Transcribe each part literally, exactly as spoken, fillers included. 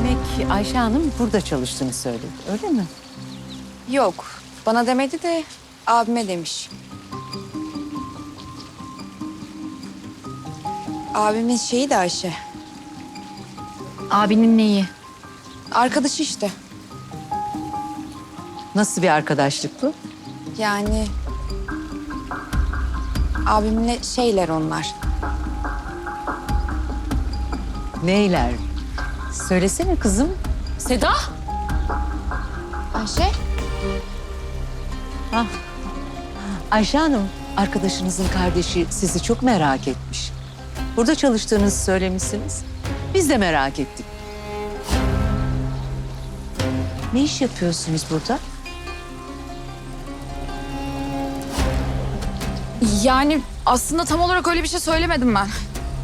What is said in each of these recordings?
Demek Ayşe Hanım burada çalıştığını söyledi, öyle mi? Yok, bana demedi de abime demiş. Abimin şeyi de Ayşe. Abinin neyi? Arkadaşı işte. Nasıl bir arkadaşlık bu? Yani abimle şeyler onlar. Neyler? Söylesene kızım. Seda? Ayşe? Ah. Ayşe Hanım, arkadaşınızın kardeşi sizi çok merak etmiş. Burada çalıştığınızı söylemişsiniz. Biz de merak ettik. Ne iş yapıyorsunuz burada? Yani aslında tam olarak öyle bir şey söylemedim ben.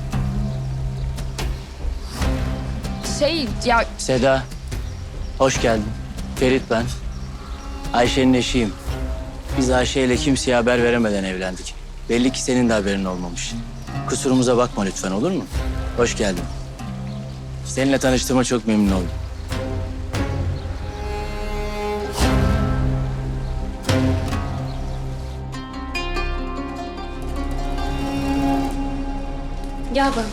Şey ya Seda, hoş geldin. Ferit ben. Ayşe'nin eşiyim. Biz Ayşe ile kimseye haber veremeden evlendik. Belli ki senin de haberin olmamış. Kusurumuza bakma lütfen, olur mu? Hoş geldin. Seninle tanıştığıma çok memnun oldum. gel böyle.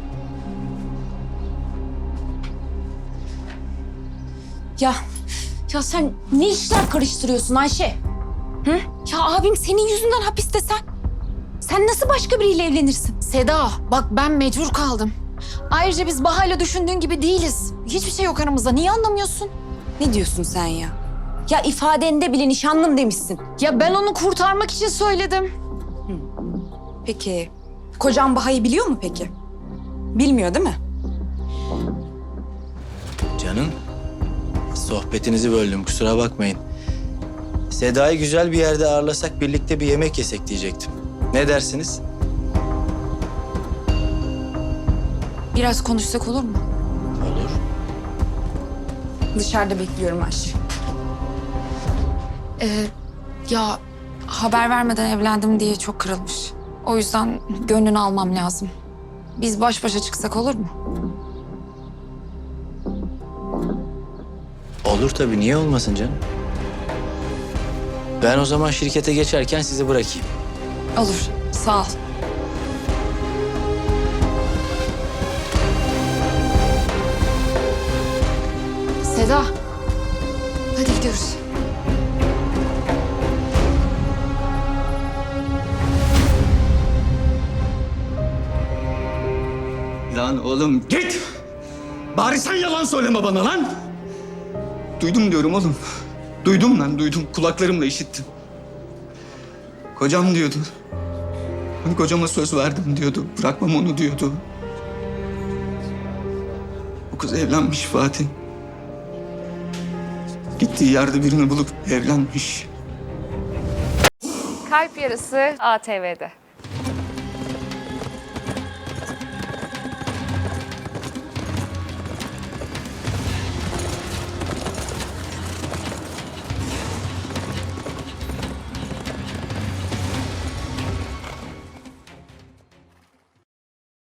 Ya ya sen ne işler karıştırıyorsun Ayşe? Hı? Ya abim senin yüzünden hapiste sen. Sen nasıl başka biriyle evlenirsin? Seda bak ben mecbur kaldım. Ayrıca biz Baha'yla düşündüğün gibi değiliz. Hiçbir şey yok aramızda. Niye anlamıyorsun? Ne diyorsun sen ya? Ya ifadende bile nişanlım demişsin. Ya ben onu kurtarmak için söyledim. Peki, kocan Baha'yı biliyor mu peki? Bilmiyor değil mi? Canım, sohbetinizi böldüm, kusura bakmayın. Seda'yı güzel bir yerde ağırlasak, birlikte bir yemek yesek diyecektim. Ne dersiniz? Biraz konuşsak olur mu? Olur. Dışarıda bekliyorum Ayşe. Ee, ya haber vermeden evlendim diye çok kırılmış. O yüzden gönlünü almam lazım. Biz baş başa çıksak olur mu? Olur tabii, niye olmasın canım? Ben o zaman şirkete geçerken sizi bırakayım. Olur, sağ ol. Seda, hadi gidiyoruz. Lan oğlum git! Bari sen yalan söyleme bana lan! Duydum diyorum oğlum. Duydum lan, duydum. Kulaklarımla işittim. Kocam diyordu. Hani kocama söz verdim diyordu. Bırakmam onu diyordu. O kız evlenmiş Fatih. Gittiği yerde birini bulup evlenmiş. Kalp Yarısı A T V'de.